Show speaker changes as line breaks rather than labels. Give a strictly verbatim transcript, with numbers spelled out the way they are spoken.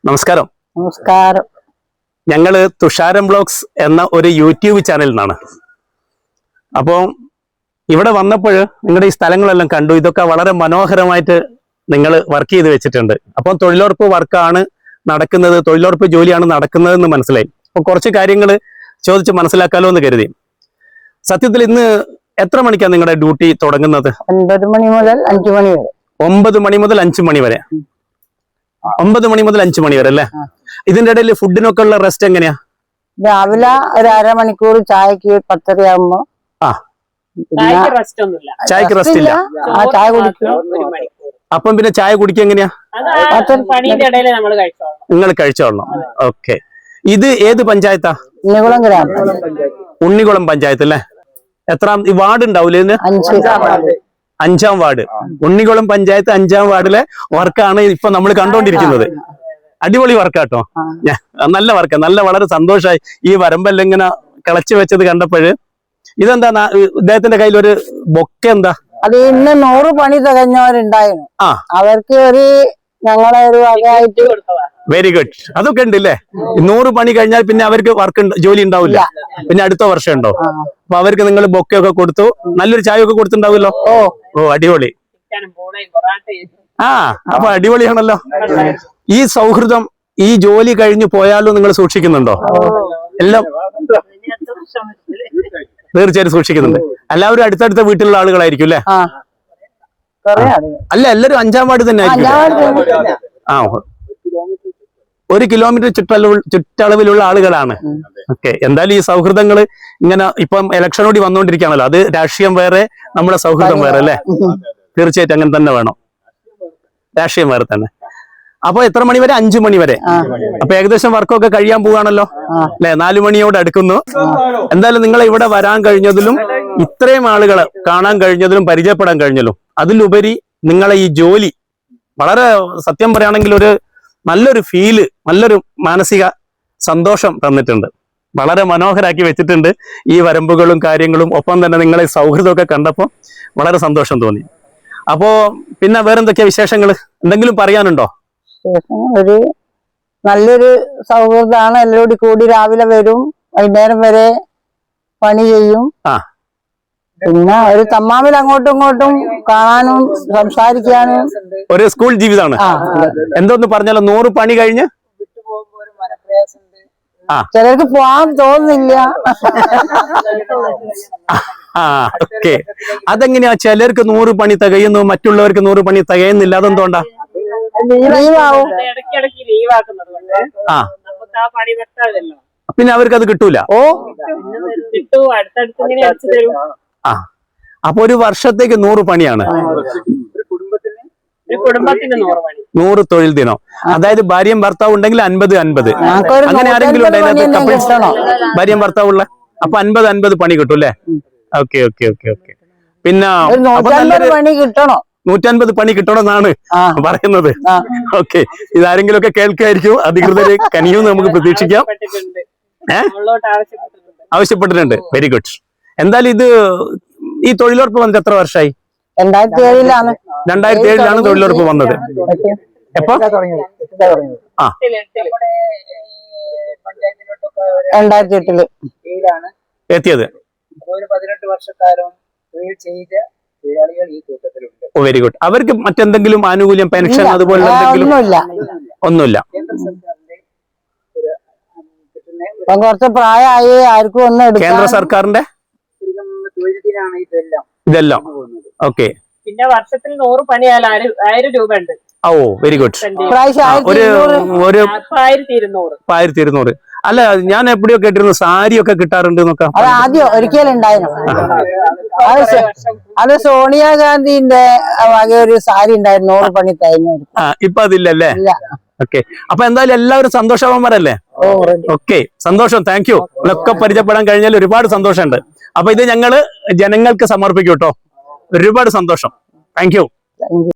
നമസ്കാരം.
നമസ്കാരം.
ഞങ്ങള് തുഷാരം ബ്ലോഗ്സ് എന്ന ഒരു യൂട്യൂബ് ചാനലിൽ നിന്നാണ്. അപ്പോൾ ഇവിടെ വന്നപ്പോൾ നിങ്ങളുടെ ഈ സ്ഥലങ്ങളെല്ലാം കണ്ടു. ഇതൊക്കെ വളരെ മനോഹരമായിട്ട് നിങ്ങൾ വർക്ക് ചെയ്ത് വെച്ചിട്ടുണ്ട്. അപ്പം തൊഴിലുറപ്പ് വർക്കാണ് നടക്കുന്നത്, തൊഴിലുറപ്പ് ജോലിയാണ് നടക്കുന്നതെന്ന് മനസ്സിലായി. അപ്പോൾ കുറച്ച് കാര്യങ്ങൾ ചോദിച്ച് മനസ്സിലാക്കാലോ എന്ന് കരുതി. സത്യത്തിൽ ഇന്ന് എത്ര മണിക്കാണ് നിങ്ങളുടെ ഡ്യൂട്ടി തുടങ്ങുന്നത്?
ഒൻപത് മണി മുതൽ അഞ്ചു മണി വരെ.
ഒമ്പത് മണി മുതൽ അഞ്ചു മണി വരെ. ഒമ്പത് മണി മുതൽ അഞ്ചു മണി വരെ അല്ലേ? ഇതിന്റെ ഇടയിൽ ഫുഡിനൊക്കെ ഉള്ള റെസ്റ്റ് എങ്ങനെയാ?
രാവിലെ ഒരു അരമണിക്കൂർ ചായക്ക് പത്തരയാകുമ്പോ
ആ ചായക്ക് റെസ്റ്റ് ഇല്ല.
ആ ചായ കുടിക്കും.
അപ്പം പിന്നെ ചായ കുടിക്കുക എങ്ങനെയാ? നിങ്ങൾ കഴിച്ചോളണം. ഓക്കെ. ഇത് ഏത് പഞ്ചായത്താ?
ഉണ്ണികുളം ഗ്രാമം.
ഉണ്ണികുളം പഞ്ചായത്ത് അല്ലേ? എത്രാം ഈ വാർഡ് ഉണ്ടാവൂലേ? ഇതിന് അഞ്ചാം വാർഡ്. ഉണ്ണികുളം പഞ്ചായത്ത് അഞ്ചാം വാർഡിലെ വർക്കാണ് ഇപ്പൊ നമ്മൾ കണ്ടോണ്ടിരിക്കുന്നത്. അടിപൊളി വർക്കാട്ടോ. നല്ല വർക്ക്, നല്ല വളരെ സന്തോഷമായി. ഈ വരമ്പെല്ലാം ഇങ്ങനെ കിളച്ചു വെച്ചത് കണ്ടപ്പോഴ്. ഇതെന്താ ഇദ്ദേഹത്തിന്റെ കയ്യിൽ ഒരു ബൊക്കെ? എന്താ
അത്? ഇന്ന് നൂറ് പണി തികഞ്ഞവരുണ്ടായിരുന്നു.
ആ,
അവർക്ക് ഒരു ഞങ്ങളെ ഒരു വകയായിട്ട്.
Very good. അതൊക്കെ ഉണ്ട് അല്ലേ? നൂറ് പണി കഴിഞ്ഞാൽ പിന്നെ അവർക്ക് വർക്ക് ജോലി ഉണ്ടാവില്ല, പിന്നെ അടുത്ത വർഷം ഉണ്ടോ? അപ്പൊ അവർക്ക് നിങ്ങൾ ബൊക്കെ ഒക്കെ കൊടുത്തു, നല്ലൊരു ചായ ഒക്കെ കൊടുത്തിട്ടുണ്ടാവുമല്ലോ. ഓ ഓ അടിപൊളി. ആ അപ്പൊ അടിപൊളിയാണല്ലോ. ഈ സൗഹൃദം ഈ ജോലി കഴിഞ്ഞു പോയാലും നിങ്ങൾ സൂക്ഷിക്കുന്നുണ്ടോ? എല്ലാം തീർച്ചയായിട്ടും സൂക്ഷിക്കുന്നുണ്ട്. എല്ലാവരും അടുത്തടുത്ത വീട്ടിലുള്ള ആളുകളായിരിക്കും അല്ലേ? അല്ല, എല്ലാരും അഞ്ചാം വാർഡ് തന്നെ ആയിരിക്കും. ആ, ഒരു കിലോമീറ്റർ ചുറ്റളവ് ചുറ്റളവിലുള്ള ആളുകളാണ്. ഓക്കെ. എന്തായാലും ഈ സൗഹൃദങ്ങൾ ഇങ്ങനെ ഇപ്പം ഇലക്ഷൻ കൂടി വന്നുകൊണ്ടിരിക്കുകയാണല്ലോ. അത് രാഷ്ട്രീയം വേറെ, നമ്മുടെ സൗഹൃദം വേറെ അല്ലേ? തീർച്ചയായിട്ടും അങ്ങനെ തന്നെ വേണം. രാഷ്ട്രീയം വേറെ തന്നെ. അപ്പൊ എത്ര മണി വരെ? അഞ്ചു മണി വരെ. അപ്പൊ ഏകദേശം വർക്കൊക്കെ കഴിയാൻ പോവാണല്ലോ അല്ലെ? നാലു മണിയോട് അടുക്കുന്നു. എന്തായാലും നിങ്ങൾ ഇവിടെ വരാൻ കഴിഞ്ഞതിലും ഇത്രയും ആളുകളെ കാണാൻ കഴിഞ്ഞതിലും പരിചയപ്പെടാൻ കഴിഞ്ഞല്ലോ, അതിലുപരി നിങ്ങളെ ഈ ജോലി വളരെ സത്യം പറയുകയാണെങ്കിൽ ഒരു നല്ലൊരു ഫീല്, നല്ലൊരു മാനസിക സന്തോഷം തന്നിട്ടുണ്ട്. വളരെ മനോഹരാക്കി വെച്ചിട്ടുണ്ട് ഈ വരമ്പുകളും കാര്യങ്ങളും. ഒപ്പം തന്നെ നിങ്ങളെ സൗഹൃദമൊക്കെ കണ്ടപ്പോൾ വളരെ സന്തോഷം തോന്നി. അപ്പോ പിന്നെ വേറെന്തൊക്കെയാ വിശേഷങ്ങൾ? എന്തെങ്കിലും പറയാനുണ്ടോ?
ഒരു നല്ലൊരു സൗഹൃദമാണ്. എല്ലാവരും കൂടി രാവിലെ വരും, വൈകുന്നേരം വരെ പണി ചെയ്യും.
ആ,
പിന്നെ ഒരു തമ്മാമിൽ അങ്ങോട്ടും ഇങ്ങോട്ടും കാണാനും സംസാരിക്കാനും
ഒരു സ്കൂൾ ജീവിതമാണ്. എന്തോന്ന് പറഞ്ഞാലോ, നൂറ് പണി കഴിഞ്ഞ്
ചിലർക്ക് പോവാൻ തോന്നുന്നില്ല.
ആ ഓക്കെ. അതെങ്ങനെയാ? ചിലർക്ക് നൂറ് പണി തികയുന്നു, മറ്റുള്ളവർക്ക് നൂറ് പണി തികയുന്നില്ല. അതെന്തോണ്ടാ?
ലീവാവും.
ആ, പിന്നെ അവർക്ക് അത് കിട്ടൂല.
ഓ,
ആ, അപ്പൊ ഒരു വർഷത്തേക്ക് നൂറ് പണിയാണ്. നൂറ് തൊഴിൽ ദിനം. അതായത് ഭാര്യയും ഭർത്താവ് ഉണ്ടെങ്കിൽ അൻപത് അൻപത്. അങ്ങനെ ആരെങ്കിലും ഉണ്ടെങ്കിൽ ഭാര്യയും ഭർത്താവുള്ള അപ്പൊ അൻപത് അൻപത് പണി കിട്ടും അല്ലേ? Okay okay okay okay. പിന്നെ
പണി കിട്ടണോ?
നൂറ്റൻപത് പണി കിട്ടണമെന്നാണ് പറയുന്നത്. ഓക്കെ. ഇതാരെങ്കിലും ഒക്കെ കേൾക്കായിരിക്കും, അധികൃതര് കനിയും നമുക്ക് പ്രതീക്ഷിക്കാം. ഏഹ് ആവശ്യപ്പെട്ടിട്ടുണ്ട്. Very good. എന്തായാലും ഇത് ഈ തൊഴിലുറപ്പ് വന്നിട്ട് എത്ര വർഷമായി?
രണ്ടായിരത്തി ഏഴിലാണ്
രണ്ടായിരത്തി ഏഴിലാണ് തൊഴിലുറപ്പ് വന്നത്. എപ്പോ? ആ,
രണ്ടായിരത്തി എട്ടില്
എത്തിയത്.
പതിനെട്ട് വർഷക്കാലം തൊഴിൽ ചെയ്ത തൊഴിലാളികൾ ഈ കൂട്ടത്തിലുണ്ട്.
Oh very good. അവർക്ക് മറ്റെന്തെങ്കിലും ആനുകൂല്യം, പെൻഷൻ അതുപോലെ എന്തെങ്കിലും? ഒന്നുമില്ല.
കുറച്ച് പ്രായമായി ആർക്കും ഒന്നും.
കേന്ദ്ര സർക്കാരിന്റെ
തൊഴിലിനാണ് ഇതെല്ലാം
ഇതെല്ലാം. ഓക്കെ.
പിന്നെ വർഷത്തിൽ നൂറ് പണിയാൽ ആയിരം രൂപ ഉണ്ട്.
Oh very good. ഒരു ഒരു ആയിരത്തി ഇരുന്നൂറ്. അല്ല, ഞാൻ എപ്പോഴും കേട്ടിരുന്നു സാരി ഒക്കെ കിട്ടാറുണ്ട് എന്നൊക്കെ.
അത് ആദ്യം ഒരിക്കലും ഉണ്ടായിരുന്നു. അത് സോണിയാഗാന്ധിന്റെ വക ഒരു സാരി ഉണ്ടായിരുന്നു, നൂറ് പണി കഴിഞ്ഞു.
ആ, ഇപ്പൊ അതില്ലല്ലേ? ഓക്കെ. അപ്പൊ എന്തായാലും എല്ലാവരും സന്തോഷവാന്മാരല്ലേ? ഓക്കെ, സന്തോഷം. Thank you. ഒക്കെ പരിചയപ്പെടാൻ കഴിഞ്ഞാൽ ഒരുപാട് സന്തോഷമുണ്ട്. അപ്പൊ ഇത് ഞങ്ങള് ജനങ്ങൾക്ക് സമർപ്പിക്കും കേട്ടോ. ഒരുപാട് സന്തോഷം. Thank U.